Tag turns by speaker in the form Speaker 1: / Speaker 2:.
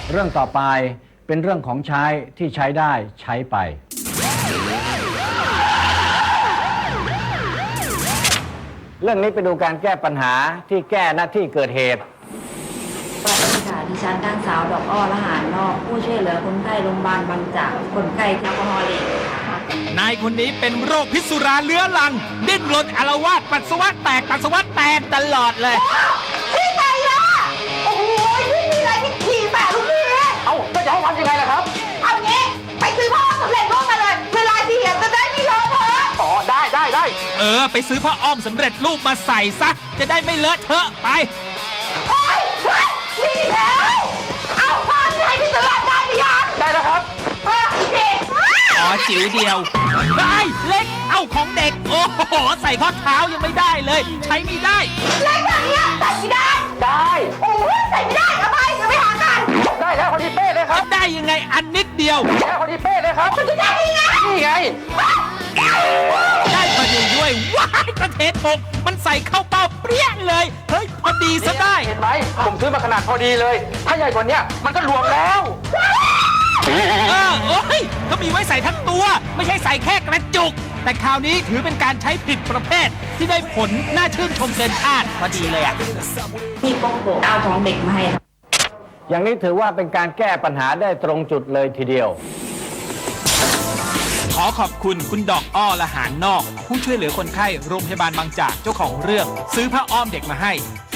Speaker 1: เรื่องต่อไปเป็นเรื่องของใช้ที่ใช้ได้ใช้ไปเรื่องนี้ไปดูการแก้ปัญหาที่แก้หน้าที่เกิดเหตุ
Speaker 2: สวัสดีค่ะดิฉันนางสาวดอกอ้อละหารนอกผู้ช่วยเหลือคนไข้โรงพยาบาลบางจากคนไข้แอลกอฮอล์เลค่ะ
Speaker 3: นายคนนี้เป็นโรคพิษสุราเรื้อรังดิ้นรนอาละวาดปัสสาวะแตกตลอดเลย
Speaker 4: พี่ไงล่ะโอ้โหพี่มีอะไรพี่ขี่แปะลูกพี่
Speaker 1: เอ้าก็จะให้ทำยังไงล่ะครับ
Speaker 4: เอางี้ไปซื้อผ้าสำเร็จรูปมาเลยเวลาที่เห็นจะได้ไม่เลอะเทอะ
Speaker 1: อ๋อได้
Speaker 3: ไปซื้อผ้าอ้อมสำเร็จรูปมาใส่ซะจะได้ไม่เลอะเทอะไป
Speaker 4: โอ๊ยนี่แล้วเอาผ้าที่ให้พี่ตลาดได้หรือยัง
Speaker 1: ได้แล้วครับ
Speaker 4: พี่
Speaker 3: อ๋อจิ๋วเดียวได้เล็กเอาของเด็กโอ้โหใส่ข้อเท้ายังไม่ได้เลยใช้ไม่ได้
Speaker 4: เล็กแบบนี้ใส่ไม่ได้โอ้ยใส่ไม่ได้เอาไปจะไปหากัน
Speaker 1: ได้แล้วพอดีเป๊ะเลยครับ
Speaker 3: ได้ยังไงอันนิดเดียว
Speaker 1: ได้พอดีเป๊ะเลยครับ
Speaker 4: จะได้ยังไง
Speaker 1: นี่ไง
Speaker 3: ได้พอดีด้วยว้ายกระเทศกมันใส่เข้าเป้าเปรี้ยเลยเฮ้ยพอดีซะได้
Speaker 1: เห็นไหมผมซื้อมาขนาดพอดีเลยถ้าใหญ่กว่านี้มันก็รวมแล้ว
Speaker 3: โอ้ยก็มีไว้ใส่ทั้งตัวไม่ใช่ใส่แค่กระจุกแต่คราวนี้ถือเป็นการใช้ผิดประเภทที่ได้ผลน่าชื่นชมเกินคาดพอดีเลยอ่ะ
Speaker 2: พี่โป๊กโกเอาของเด็กมาให้
Speaker 1: อย่างนี้ถือว่าเป็นการแก้ปัญหาได้ตรงจุดเลยทีเดียว
Speaker 3: ขอขอบคุณคุณดอกอ้อละหารนอกผู้ช่วยเหลือคนไข้โรงพยาบาลบางจากเจ้าของเรื่องซื้อผ้าอ้อมเด็กมาให้